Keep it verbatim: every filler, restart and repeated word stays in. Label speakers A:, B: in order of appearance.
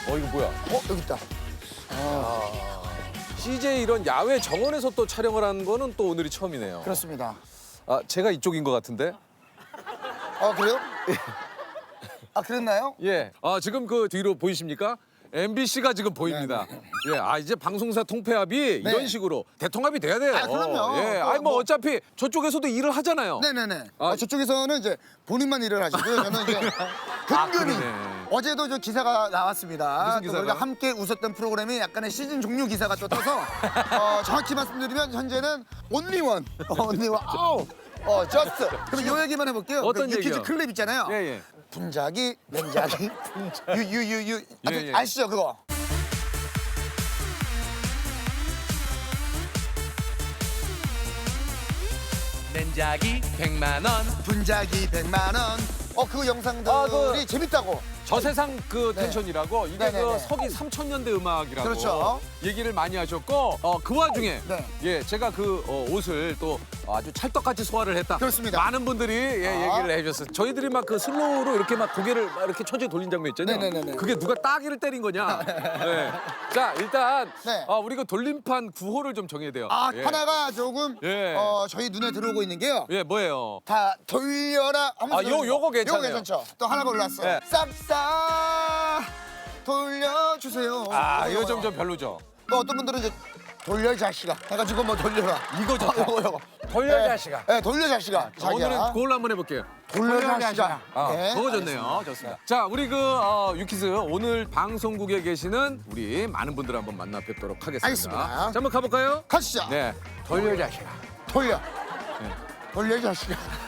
A: 어 이거 뭐야?
B: 어 여기 있다.
A: 씨제이 이런 야외 정원에서 또 촬영을 하는 거는 또 오늘이 처음이네요.
B: 그렇습니다.
A: 아 제가 이쪽인 것 같은데?
B: 아 그래요? 아 그랬나요?
A: 예. 아 지금 그 뒤로 보이십니까? 엠비씨가 지금 보입니다. 예. 아 이제 방송사 통폐합이
B: 네.
A: 이런 식으로 대통합이 돼야 돼요.
B: 아, 그럼요.
A: 예.
B: 또
A: 아니 뭐
B: 뭐-
A: 어차피 저쪽에서도 일을 하잖아요.
B: 네네네.
A: 아,
B: 어, 저쪽에서는 이제 본인만 일을 하시고요. 저는 이제 근근히
A: 그러네.
B: 어제도 저 기사가 나왔습니다.
A: 무슨
B: 또
A: 기사가?
B: 우리가 함께 웃었던 프로그램이 약간의 시즌 종료 기사가 또 떠서 어, 정확히 말씀드리면 현재는 온리원, 어, 온리원, 아우, 어, 저스트. 그럼 요 얘기만 해볼게요.
A: 어떤
B: 그 유퀴즈
A: 얘기요?
B: 클립 있잖아요.
A: 예 예.
B: 분자기, 냉자기, 유유유유. 아,
A: 예, 예.
B: 아시죠 그거?
A: 냉자기 백만 원.
B: 분자기 백만 원. 어, 그 영상들이
A: 아, 그-
B: 재밌다고.
A: 저세상 그
B: 네.
A: 텐션이라고 이게
B: 네네네.
A: 그 서기 삼천 년대 음악이라고
B: 그렇죠.
A: 얘기를 많이 하셨고 어, 그 와중에
B: 네.
A: 예 제가 그 어, 옷을 또 아주 찰떡같이 소화를 했다.
B: 그렇습니다.
A: 많은 분들이 예,
B: 아.
A: 얘기를 해주셨어요. 저희들이 막 그 슬로우로 이렇게 막 고개를 막 이렇게 처지에 돌린 장면 있잖아요.
B: 네네네네.
A: 그게 누가 따기를 때린 거냐. 네. 자 일단
B: 네.
A: 어, 우리 그 돌림판 구호를 좀 정해야 돼요.
B: 아,
A: 예.
B: 하나가 조금
A: 예.
B: 어, 저희 눈에 들어오고 있는 게요.
A: 예 뭐예요?
B: 다 돌려라. 하면서
A: 아, 요- 요거 괜찮네요.
B: 요거 괜찮죠. 또 하나가 올랐어요.
A: 네.
B: 싹싹 돌려주세요.
A: 아 이거 좀 좀 별로죠.
B: 또 어떤 분들은 이제 돌려 이 자식아 해가지고 뭐 돌려라.
A: 이거 좋다.
B: 아, 요거 요거.
A: 돌려,
B: 네.
A: 자식아.
B: 네, 돌려 자식아. 자기야.
A: 오늘은 그걸로 한번 해볼게요.
B: 돌려 자식아.
A: 아,
B: 네,
A: 그거 좋네요. 좋습니다. 자, 우리 그 어, 유키즈 오늘 방송국에 계시는 우리 많은 분들 한번 만나 뵙도록 하겠습니다.
B: 알겠습니다.
A: 자, 한번 가볼까요?
B: 가시죠.
A: 네, 돌려 자식아.
B: 돌려.
A: 네.
B: 돌려 자식아.